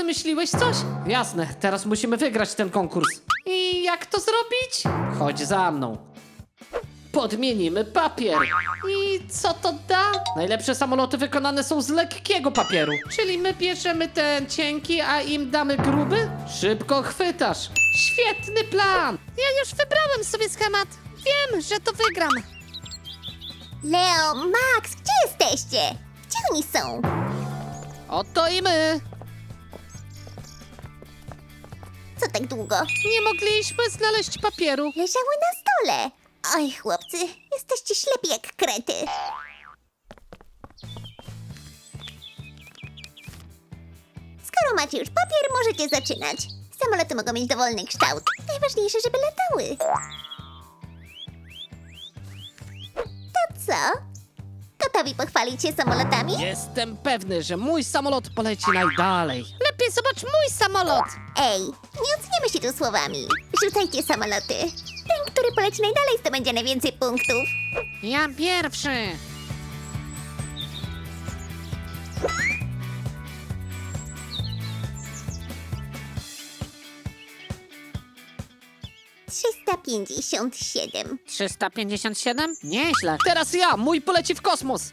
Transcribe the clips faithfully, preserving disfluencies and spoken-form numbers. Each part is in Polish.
wymyśliłeś coś? Jasne, teraz musimy wygrać ten konkurs. I jak to zrobić? Chodź za mną. Podmienimy papier. I co to da? Najlepsze samoloty wykonane są z lekkiego papieru. Czyli my bierzemy ten cienki, a im damy gruby? Szybko chwytasz. Świetny plan. Ja już wybrałem sobie schemat. Wiem, że to wygram. Leo, Max, gdzie jesteście? Gdzie oni są? Oto i my. Co tak długo? Nie mogliśmy znaleźć papieru. Leżały na stole. Oj, chłopcy, jesteście ślepi jak krety. Skoro macie już papier, możecie zaczynać. Samoloty mogą mieć dowolny kształt. Najważniejsze, żeby latały. To co? Gotowi pochwalić się samolotami? Jestem pewny, że mój samolot poleci najdalej. Lepiej zobacz mój samolot. Ej, nie oceniamy się tu słowami. Rzucajcie samoloty. Ten, który poleci najdalej, zdobędzie najwięcej punktów. Ja pierwszy. trzysta pięćdziesiąt siedem. trzysta pięćdziesiąt siedem? Nieźle. Teraz ja, mój poleci w kosmos.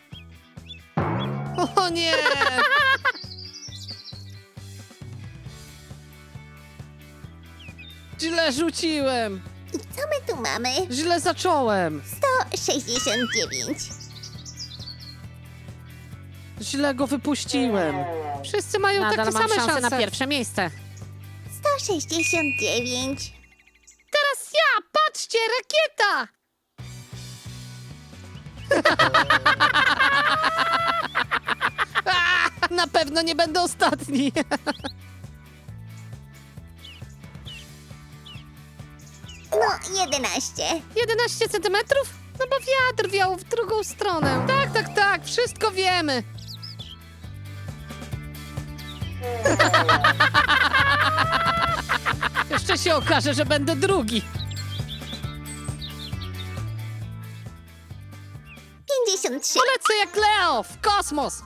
O nie! Źle rzuciłem. I co my tu mamy? Źle zacząłem. sto sześćdziesiąt dziewięć. Źle go wypuściłem. Wszyscy mają Nadal takie mam same szansę szanse. na pierwsze miejsce. sto sześćdziesiąt dziewięć. Teraz ja! Patrzcie, rakieta! Na pewno nie będę ostatni. No, jedenaście. jedenaście centymetrów? No bo wiatr wiał w drugą stronę. Tak, tak, tak, wszystko wiemy. Jeszcze się okaże, że będę drugi. pięćdziesiąt trzy. Polecę jak Leo w kosmos.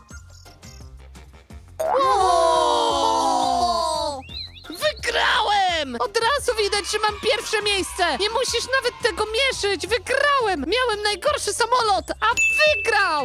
Wygrałem! Od razu widać, że mam pierwsze miejsce. Nie musisz nawet tego mieszyć. Wygrałem! Miałem najgorszy samolot, a wygrał!